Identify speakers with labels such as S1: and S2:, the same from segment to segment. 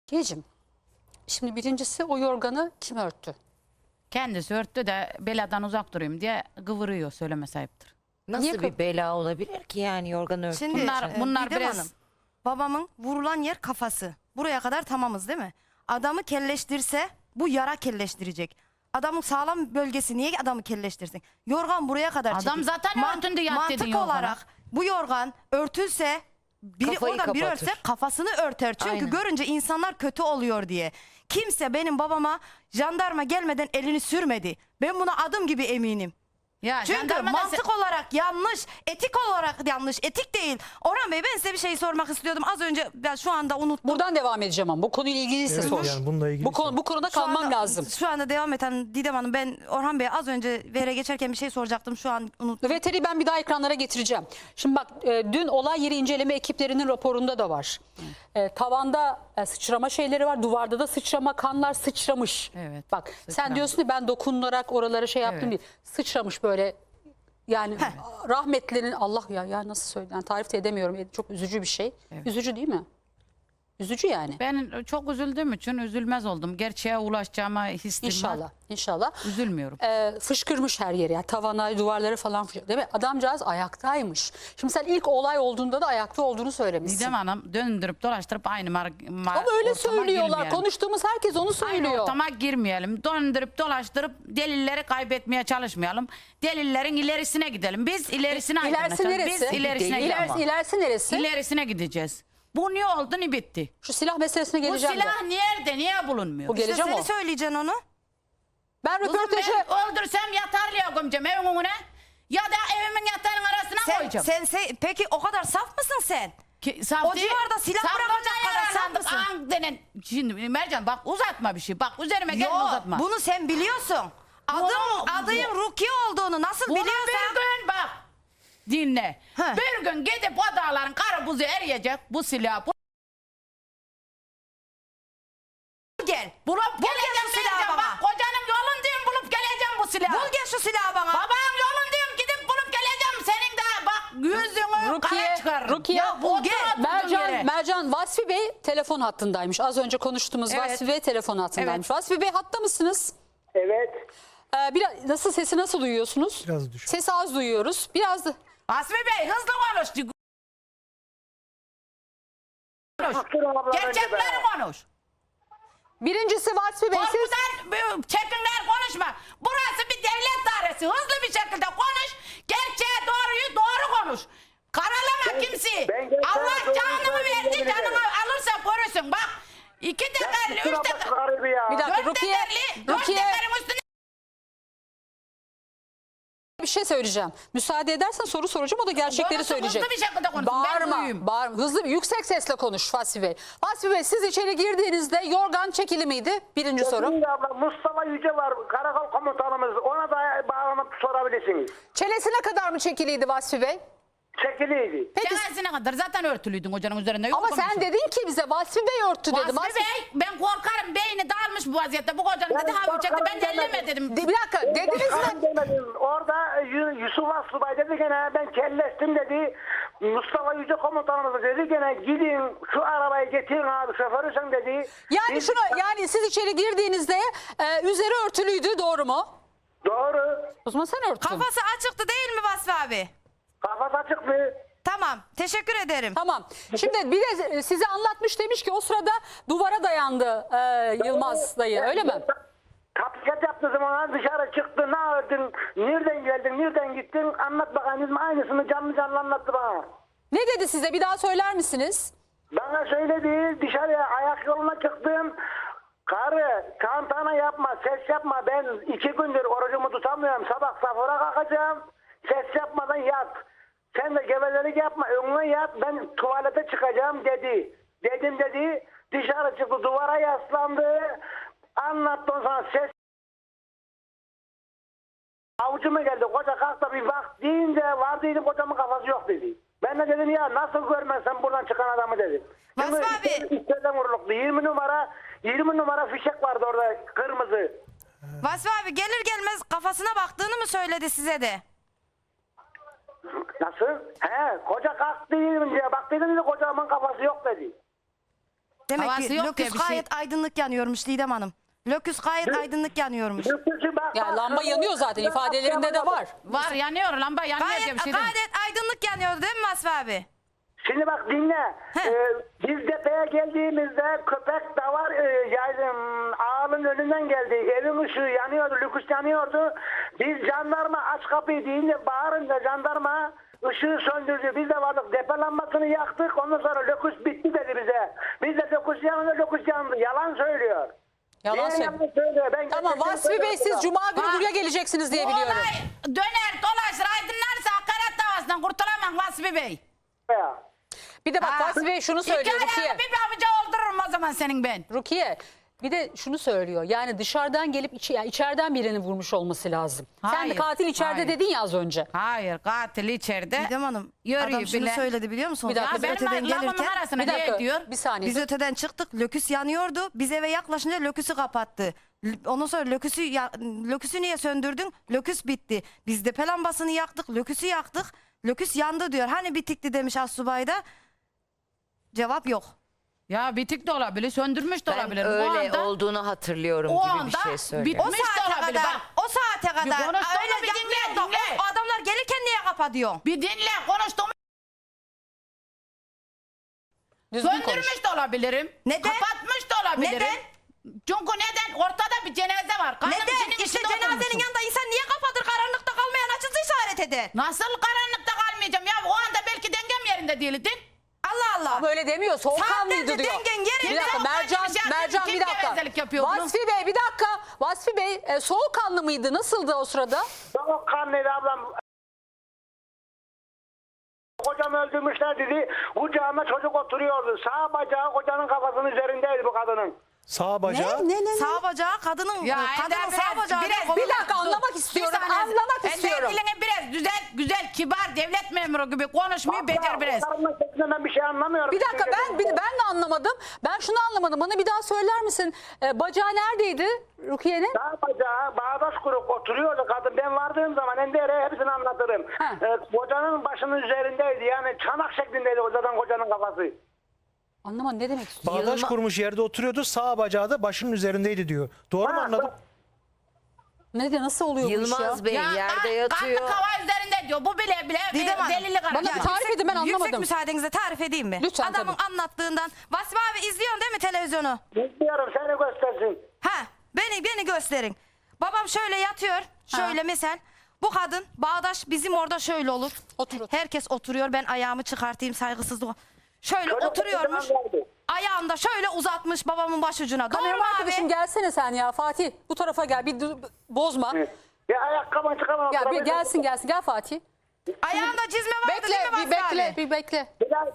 S1: Gecim, şimdi birincisi o yorganı kim örttü?
S2: Kendisi örttü de beladan uzak durayım diye kıvırıyor, söylemesi ayıptır.
S3: Nasıl
S1: Niye
S3: bir bela olabilir ki yani yorgan örtüğü
S4: Şimdi
S3: için?
S2: Bunlar
S4: Didem
S2: biraz-
S4: Hanım, babamın vurulan yer kafası. Buraya kadar tamamız değil mi? Adamı kelleştirse bu yara kelleştirecek. Adamın sağlam bölgesi niye adamı kelleştirsin? Yorgan buraya kadar
S2: Adam
S4: çekik.
S2: zaten örtündü yat dediğin
S4: Mantık
S2: yorgana.
S4: olarak bu yorgan örtülse biri
S3: Kafayı
S4: oradan biri
S3: kapatır.
S4: örtse kafasını örter. Çünkü
S3: Aynen.
S4: görünce insanlar kötü oluyor diye. Kimse benim babama jandarma gelmeden elini sürmedi. Ben buna adım gibi eminim.
S2: Ya
S4: Çünkü
S2: jandarma da
S4: mantık olarak yanlış, etik olarak yanlış, etik değil. Orhan Bey, ben size bir şey sormak istiyordum. Az önce ben şu anda unuttum.
S1: Buradan devam edeceğim ama bu konuyla ilgiliyse
S5: Evet,
S1: sor.
S5: yani bununla ilgili
S1: bu konuda
S4: Şu
S1: kalmam
S4: anda-
S1: lazım.
S4: Şu anda devam eden Didem Hanım, ben Orhan Bey'e az önce vere geçerken bir şey soracaktım. Şu an unuttum.
S1: Veteri ben bir daha ekranlara getireceğim. Şimdi bak, dün olay yeri inceleme ekiplerinin raporunda da var. Tavanda sıçrama şeyleri var. Duvarda da sıçrama, kanlar sıçramış.
S2: Evet,
S1: Bak sen
S2: sıçramış.
S1: diyorsun ki ben dokunarak oralara şey yaptım
S2: Evet.
S1: değil. Sıçramış böyle. Yani rahmetlinin Allah ya nasıl söyleyeyim, yani tarif de edemiyorum. Çok üzücü bir şey.
S2: Evet.
S1: Üzücü değil mi? Üzücü yani.
S2: Ben çok üzüldüğüm için üzülmez oldum. Gerçeğe ulaşacağıma hissim var.
S1: İnşallah. İnşallah.
S2: Üzülmüyorum.
S1: Fışkırmış her yeri. Yani tavana, duvarları falan fışkırmış. Değil mi? Adamcağız ayaktaymış. Şimdi sen ilk olay olduğunda da ayakta olduğunu söylemişsin.
S2: Didem Hanım döndürüp dolaştırıp aynı
S1: Ama öyle söylüyorlar. Konuştuğumuz herkes onu
S2: Aynı
S1: söylüyor.
S2: ortama girmeyelim. Döndürüp dolaştırıp delilleri kaybetmeye çalışmayalım. Delillerin ilerisine gidelim. Biz ilerisine
S1: İlerisi
S2: aydınlatacağız.
S1: neresi?
S2: Biz ilerisine gidelim.
S1: İlerisi neresi?
S2: İlerisine gideceğiz. Bu niye oldu ni bitti.
S1: Şu silah meselesine
S2: Bu
S1: geleceğim.
S2: silah nerede? Niye bulunmuyor?
S1: Bu
S4: İşte
S1: geleceğim
S4: seni
S1: o.
S4: söyleyeceksin onu.
S1: Ben
S2: Kızım
S1: röportajı...
S2: ben öldürsem yatarlıya gömeceğim evin önüne. Ya da evimin yatağının arasına koyacağım.
S4: Peki o kadar saf mısın sen?
S2: Saf
S4: O
S2: değil.
S4: civarda silah
S2: Saflardan
S4: bırakacak kadar saf
S2: yaralandık.
S4: mısın?
S2: Denen. Şimdi Mercan bak uzatma bir şey. Bak üzerime gelme
S4: Yok,
S2: uzatma.
S4: bunu sen biliyorsun. Adın Rukiye olduğunu nasıl
S2: Bunu
S4: biliyorsan.
S2: bir gün bak dinle.
S4: He.
S2: Bir gün gidip o dağların karı buzu eriyecek bu silah.
S4: Gel.
S2: Bulup
S4: Bul gel
S2: geleceğim
S4: şu silahı
S2: vereceğim.
S4: bana.
S2: Bak kocanın yolundayım bulup geleceğim bu silahı.
S4: Bul gel şu silahı bana.
S2: Babanın yolundayım gidip bulup geleceğim. Senin de bak yüzünü kara çıkarırım.
S1: Rukiye,
S2: Ya bul gel.
S1: Mercan Vasfi Bey telefon hattındaymış. Az önce konuştuğumuz
S2: Evet.
S1: Vasfi Bey telefon hattındaymış. Vasfi Bey hatta mısınız?
S6: Evet.
S1: Sesi nasıl duyuyorsunuz?
S5: Biraz düşük.
S1: Sesi az duyuyoruz. Biraz da...
S2: Asmi Bey hızlı konuş.
S6: Dur abla önce
S2: Gerçekleri
S6: be.
S2: konuş.
S1: Birincisi Vasfi Bey siz...
S2: Korkudan çekinler konuşma. Burası bir devlet dairesi. Hızlı bir şekilde konuş. Gerçeğe doğruyu doğru konuş. Karalama kimseyi.
S6: ben gerçeğe
S2: Allah
S6: doğruyu
S2: canını
S6: söyledim,
S2: verdi,
S6: yemin
S2: canını
S6: ederim.
S2: alırsa görürsün. Bak 2 tekerli, 3
S6: Kusura
S2: tekerli,
S6: bakma garibi ya.
S1: Bir dakika
S2: 4
S1: Rukiye,
S2: tekerli, 4
S1: Rukiye
S2: tekerin üstüne
S1: bir şey söyleyeceğim. Müsaade edersen soru soracağım, o da gerçekleri
S2: konuşsun,
S1: söyleyecek.
S2: hızlı bir şekilde konuşsun. Ben
S1: Bağırma,
S2: duyayım.
S1: bağırma. Hızlı, yüksek sesle konuş Vasfi Bey. Vasfi Bey siz içeri girdiğinizde yorgan çekili miydi? Birinci soru.
S6: Şimdi abla Mustafa Yüce var, karakol komutanımız. Ona da bağlanıp sorabilirsiniz.
S1: Çenesine kadar mı çekiliydi Vasfi Bey?
S6: Çekiliydi.
S1: Peki
S2: çenesine kadar zaten örtülüydün hocanın üzerinde. Yok
S1: ama sen
S2: konuşun.
S1: dedin ki bize Vasfi Bey örttü dedi.
S2: Vasfi Bey ben korkarım beyni dağılmış bu vaziyette. Bu kocanın dedi ha çekti ben
S6: korkarım
S2: elleme dedim.
S1: Bir dakika dediniz mi?
S6: Ben demedim. Orada Yusuf Asubay dedi gene ben kelleştim dedi. Mustafa Yüce komutanımız dedi gene gidin şu arabayı getirin abi şoförü sen dedi.
S1: Yani
S6: Biz-
S1: yani siz içeri girdiğinizde üzeri örtülüydü, doğru mu?
S6: Doğru.
S1: O zaman sen örttün.
S4: Kafası açıktı değil mi Vasfi abi?
S6: Kafası açık mı?
S4: Tamam. Teşekkür ederim.
S1: Tamam. Şimdi bir de size anlatmış, demiş ki o sırada duvara dayandı Yılmaz dayı, öyle mi?
S6: Tatbikat yaptığı zaman dışarı çıktı, ne ördün, nereden geldin, nereden gittin, anlat bakalım. Aynısını canlı canlı anlattı bana.
S1: Ne dedi size, bir daha söyler misiniz?
S6: Bana söyledi, dışarıya ayak yoluna çıktım. Karı, tantana yapma, ses yapma. Ben 2 gündür orucumu tutamıyorum. Sabah sahura kalkacağım. Ses yapmadan yat. Sen de gevezelik yapma, önüne yat. Ben tuvalete çıkacağım dedi. Dedim dedi. Dışarı çıktı, duvara yaslandı. Anlattım sana ses. Avucuma geldi. Koca kalk da bir bak deyince vardıydı, kocamın kafası yok dedi. Ben de dedim ya nasıl görmezsen buradan çıkan adamı dedim.
S4: Vasfi abi.
S6: İçeriden vuruluklu 20 numara fişek vardı orada kırmızı.
S4: Vasfi abi gelir gelmez kafasına baktığını mı söyledi size de?
S6: Nasıl? He, koca kalk deyince bak dedim de kocamın kafası yok dedi.
S4: Demek
S2: Havası
S4: ki
S2: yok
S4: löküs
S2: diye bir şey-
S4: gayet aydınlık yanıyormuş Didem Hanım. Löküs gayet aydınlık yanıyormuş.
S1: Ya lamba yanıyor zaten, ifadelerinde de var.
S2: Var yanıyor lamba yanıyor diye
S4: Gayet,
S2: bir şey değil.
S4: gayet aydınlık yanıyordu değil mi Vasfi abi?
S6: Şimdi bak dinle. Biz depeye geldiğimizde köpek de var. Ağanın önünden geldi. Evin ışığı yanıyordu. Lüküs yanıyordu. Biz jandarma aç kapıyı deyince bağırınca jandarma ışığı söndürdü. Biz de vardık. Depe lambasını yaktık. Ondan sonra lüküs bitti dedi bize. Biz de lüküs yanınca lüküs yandı. Yalan söylüyor.
S1: Yalan
S6: Niye
S1: söylüyor.
S6: söylüyor? Ben
S1: Tamam
S6: gerçekten
S1: Vasfi Bey, siz
S6: söylüyorum.
S1: Cuma günü
S2: Bak,
S1: buraya geleceksiniz diye
S2: Bu
S1: biliyorum.
S2: olay döner dolaşır aydınlarsa hakaret davasından kurtulamam Vasfi Bey.
S6: Ya.
S1: Bir de bak
S2: Ha.
S1: Vasfi Bey şunu söylüyor
S2: İki
S1: Rukiye.
S2: ayağını bir pabuca oldururum o zaman senin ben.
S1: Rukiye bir de şunu söylüyor. Yani dışarıdan gelip yani içeriden birini vurmuş olması lazım. Sen de
S2: Hayır,
S1: katil içeride
S2: hayır.
S1: dedin ya az önce.
S2: Hayır katil içeride.
S4: Didem Hanım
S2: Yürüyor
S4: adam şunu
S2: bile.
S4: söyledi biliyor musunuz?
S1: Bir dakika,
S2: Ya
S4: Biz öteden
S2: benim lafımın
S4: gelirken
S2: arasına
S1: Bir dakika
S2: ne diyor?
S1: bir saniye.
S4: biz öteden çıktık. Löküs yanıyordu. Biz eve yaklaşınca löküsü kapattı. Ondan sonra löküsü niye söndürdün? Löküs bitti. Biz depe lambasını yaktık. Löküsü yaktık. Löküs yandı diyor. Hani bitikti demiş Assubay da. Cevap yok.
S2: Ya bitik de olabilir, söndürmüş de
S3: Ben
S2: olabilir.
S3: öyle olduğunu hatırlıyorum
S2: o
S3: gibi bir
S2: anda
S3: şey söylüyor.
S4: O
S2: bitmiş de
S4: saate
S2: olabilir.
S4: kadar.
S2: Bak,
S4: O saate kadar.
S2: konuştuğunu
S4: Öyle
S2: bir dinle,
S4: yapmıyor da
S2: dinle.
S4: o adamlar gelirken niye kapatıyor?
S2: bir dinle konuştuğumu
S1: Düzgün konuş.
S2: söndürmüş de olabilirim.
S4: Neden?
S2: Kapatmış da olabilirim.
S4: Neden?
S2: Çünkü neden? Ortada bir cenaze var. Kanım
S4: Neden?
S2: içinin
S4: İşte
S2: içinde
S4: cenazenin
S2: oturmuşum.
S4: yanında insan niye kapatır? Karanlıkta kalmayan açısı işaret eder.
S2: Nasıl karanlıkta kalmayacağım ya? O anda belki dengem yerinde değildin.
S4: Allah Allah.
S1: Ama öyle demiyor. Soğukkanlıydı
S4: Saatlerce
S1: diyor.
S4: dengen yerinde.
S1: Bir dakika
S2: Soğukkanlı bir şey
S1: Mercan
S2: kim
S1: bir dakika.
S2: gevezelik yapıyor bunu?
S1: Vasfi Bey bir dakika. Vasfi Bey soğukkanlı mıydı? Nasıldı o sırada?
S6: Soğukkanlıydı ablam. Kocam öldürmüşler dedi. Kucağında çocuk oturuyordu. Sağ bacağı kocanın kafasının üzerindeydi bu kadının.
S5: Sağ bacağı.
S4: Sağ bacağı kadının
S2: Ya
S4: kadının
S2: Ender
S4: sağ bacağı.
S1: Bir dakika anlamak istiyorum. Anlamak istiyorum.
S2: Dilini biraz güzel, kibar devlet memuru gibi konuşmayı becer biraz.
S6: Onların sesinden ben bir şey anlamıyorum.
S1: Bir dakika ben de anlamadım. Ben şunu anlamadım. Bana bir daha söyler misin? Bacağı neredeydi Rukiye'nin?
S6: Sağ bacağı bağdaş kurup oturuyordu kadın. Ben vardığım zaman Ender'e hepsini anlatırım.
S1: Ha.
S6: Kocanın başının üzerindeydi. Yani çanak şeklindeydi kocanın kafası.
S1: Anlamadım ne demek istiyor?
S5: Bağdaş kurmuş yerde oturuyordu. Sağ bacağı da başının üzerindeydi diyor. Doğru mu anladım?
S1: Nasıl oluyor bu iş ya?
S3: Yılmaz Bey yerde yatıyor.
S2: Kanlı kava üzerinde diyor. Bu bile
S4: Didem Hanım,
S2: delili karar.
S1: Bana bir tarif edin, ben
S4: Yüksek
S1: anlamadım.
S4: müsaadenizle tarif edeyim mi?
S1: Lütfen,
S4: Adamın
S1: tabii.
S4: anlattığından. Vasfi abi izliyorsun değil mi televizyonu?
S6: Bilmiyorum seni göstersin.
S4: Ha, beni gösterin. Babam şöyle yatıyor. Şöyle mesela. Bu kadın bağdaş bizim orada şöyle olur.
S1: Otur.
S4: Herkes oturuyor. Ben ayağımı çıkartayım saygısızlık. Şöyle
S6: Çocuk
S4: oturuyormuş.
S6: kocaman geldi.
S4: Ayağını da şöyle uzatmış babamın başucuna. Doğru
S1: Kameraman
S4: mu
S1: arkadaşım
S4: abi?
S1: gelsene sen ya Fatih. Bu tarafa gel. Bozma.
S6: Ya ayakkabını çıkamam.
S1: Gel gelsin. Gel Fatih.
S4: Ayağında çizme vardı değil mi Vasfi abi?
S1: Bir bekle.
S6: Bir daha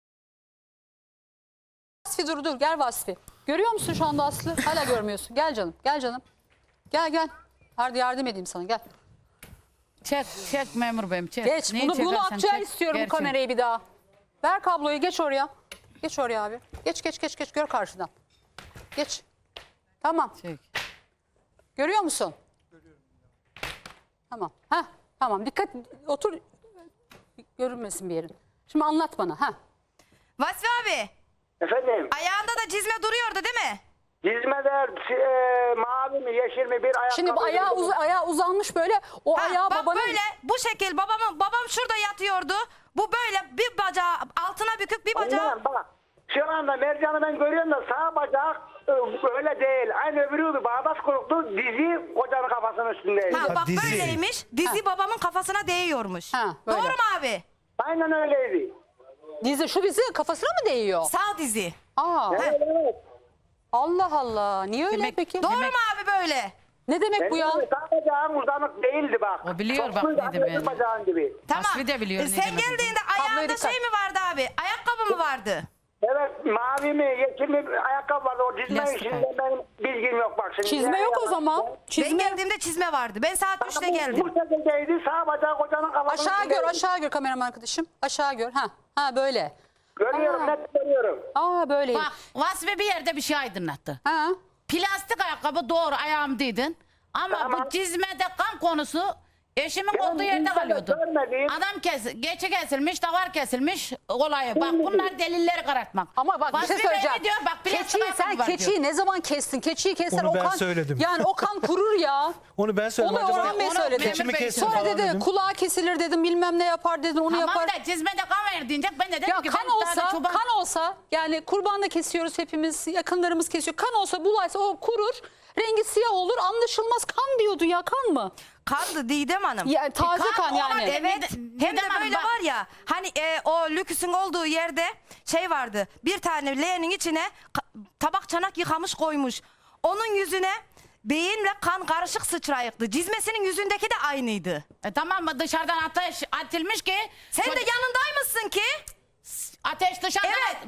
S1: Vasfi dur gel Vasfi. Görüyor musun şu anda Aslı? Hala görmüyorsun. Gel canım. Gel. Hadi yardım edeyim sana gel.
S2: Çek memur beyim çek.
S1: Geç.
S2: Neyi
S1: Bunu
S2: çekersen
S1: Akçay
S2: çek.
S1: istiyorum bu
S2: Gerçi.
S1: kamerayı bir daha. Ver kabloyu geç oraya. Geç oraya abi. Geç gör karşıdan. Geç. Tamam.
S2: Çek.
S1: Görüyor musun? Görüyorum. Tamam. Tamam. Dikkat otur. Görünmesin bir yerin. Şimdi anlat bana.
S4: Vasfi abi
S6: efendim.
S4: ayağında da çizme duruyordu değil mi?
S6: Hizmeder mavi mi yeşil mi bir ayakkabı.
S1: Şimdi bu ayağı uzanmış böyle. O
S4: Ha,
S1: ayağı
S4: bak
S1: babanın...
S4: böyle bu şekil babam şurada yatıyordu. Bu böyle bir bacağı altına bükük bir bacağı.
S6: Aynen, bak. Şu anda Mercan'ı ben görüyorum da sağ bacak öyle değil. Aynı öbürü bağdaş kuruktu. Dizi kocanın kafasının üstündeydi.
S4: Ha, bak
S5: dizi.
S4: böyleymiş. Dizi babamın kafasına değiyormuş.
S1: Ha, böyle.
S4: Doğru mu abi?
S6: Aynen öyleydi.
S1: Şu dizi kafasına mı değiyor?
S4: Sağ dizi.
S1: Aa,
S6: Evet, evet.
S1: Allah Allah. Niye öyle
S2: Demek-
S1: peki?
S4: Doğru
S2: Demek-
S4: mu abi böyle?
S1: Ne demek bu ya?
S6: Sağ bacağım uzanık değildi bak.
S2: O biliyor bak
S6: Topluydu,
S2: ne demeyeni.
S6: öbür bacağın gibi.
S4: Tamam.
S2: Vasfi de biliyor ne
S4: Sen
S2: demek
S4: geldiğinde
S1: Kabloya
S4: ayağında
S1: dikkat.
S4: şey mi vardı abi? Ayakkabı mı vardı?
S6: Evet mavi mi yeşil mi ayakkabı vardı. O çizme
S2: Plastik
S6: işinde benim bilgim yok bak şimdi.
S1: Çizme yok o zaman.
S4: Ben
S1: Çizme.
S4: geldiğimde çizme vardı. Ben saat 3'te
S6: Bu
S4: geldim.
S6: şekildeydi sağ bacağı kocanın kafasının
S1: Aşağı gör kameraman arkadaşım. Aşağı gör. Ha böyle.
S6: Görüyorum net görüyorum.
S1: Böyle.
S2: Bak Vasfi bir yerde bir şey aydınlattı.
S1: Ha.
S2: Plastik ayakkabı doğru ayağımdaydın. Ama
S6: Tamam.
S2: bu çizmede kan konusu Eşimin
S6: Benim
S2: olduğu yerde
S6: internette
S2: kalıyordu.
S6: görmediğim-
S2: Adam geçi kesilmiş, davar kesilmiş olayı. Bak bunlar delilleri karartmak.
S1: Ama bak bir şey
S2: Vasfi Bey
S1: söyleyeceğim.
S2: ne diyor? Bak bir
S1: Keçiyi, sen keçiyi ne zaman kestin? Keçiyi keser
S5: Onu
S1: o
S5: ben
S1: kan.
S5: söyledim.
S1: Yani o kan kurur ya.
S5: Onu ben söyledim.
S1: Onu
S5: Acaba
S1: Orhan Bey
S2: onu
S1: söyledi.
S2: Memur
S5: keçimi
S2: Bey
S5: kessin
S1: Sonra
S5: falan
S1: dedi
S5: dedim.
S1: kulağı kesilir dedim, bilmem ne yapar dedin, onu
S2: Tamam
S1: yapar.
S2: da cizmede kan ver deyince ben de dedim
S1: Ya
S2: ki
S1: kan
S2: ben daha da
S1: olsa, kan olsa yani kurban da kesiyoruz hepimiz, yakınlarımız kesiyor. Kan olsa bulaysa o kurur, rengi siyah olur, anlaşılmaz. Kan diyordu ya, kan mı?
S4: Kandı Didem Hanım.
S1: Ya taze kan yani.
S2: olabilir.
S4: Evet. Hem de
S2: Didem Hanım
S4: böyle
S2: bak.
S4: var ya hani o lüküsün olduğu yerde şey vardı. Bir tane leğenin içine tabak çanak yıkamış koymuş. Onun yüzüne beyinle kan karışık sıçrayıktı. Cizmesinin yüzündeki de aynıydı.
S2: Tamam mı dışarıdan ateş atılmış ki.
S4: Sen de
S2: çocuk-
S4: yanındaymışsın ki.
S2: ateş dışarıdan.
S4: Evet.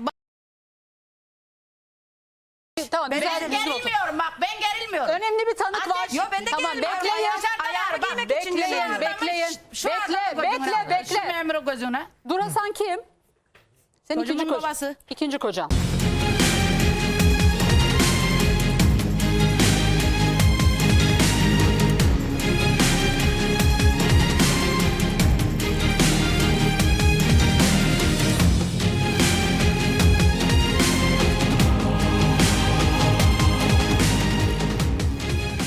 S1: Tamam,
S4: Ben
S1: güzel
S2: Ben
S1: düzgün otur.
S2: gerilmiyorum bak ben gerilmiyorum.
S1: Önemli bir tanık var.
S2: Ateş-
S4: Yo, ben de
S1: Tamam,
S4: gerilmiyorum.
S1: bekleyin.
S2: Dışarıdan
S4: Ayağımı
S2: bak,
S4: giymek için
S1: bekleyin,
S4: geliyorum.
S1: bekleyin.
S2: Şu
S1: Bekle,
S2: adamı
S1: bekle,
S2: gözüne. Şu
S1: bekle.
S2: memuru gözüne.
S1: Durasan kim? Senin
S2: Çocuğumun
S1: ikinci kocan.
S2: babası.
S1: İkinci kocan.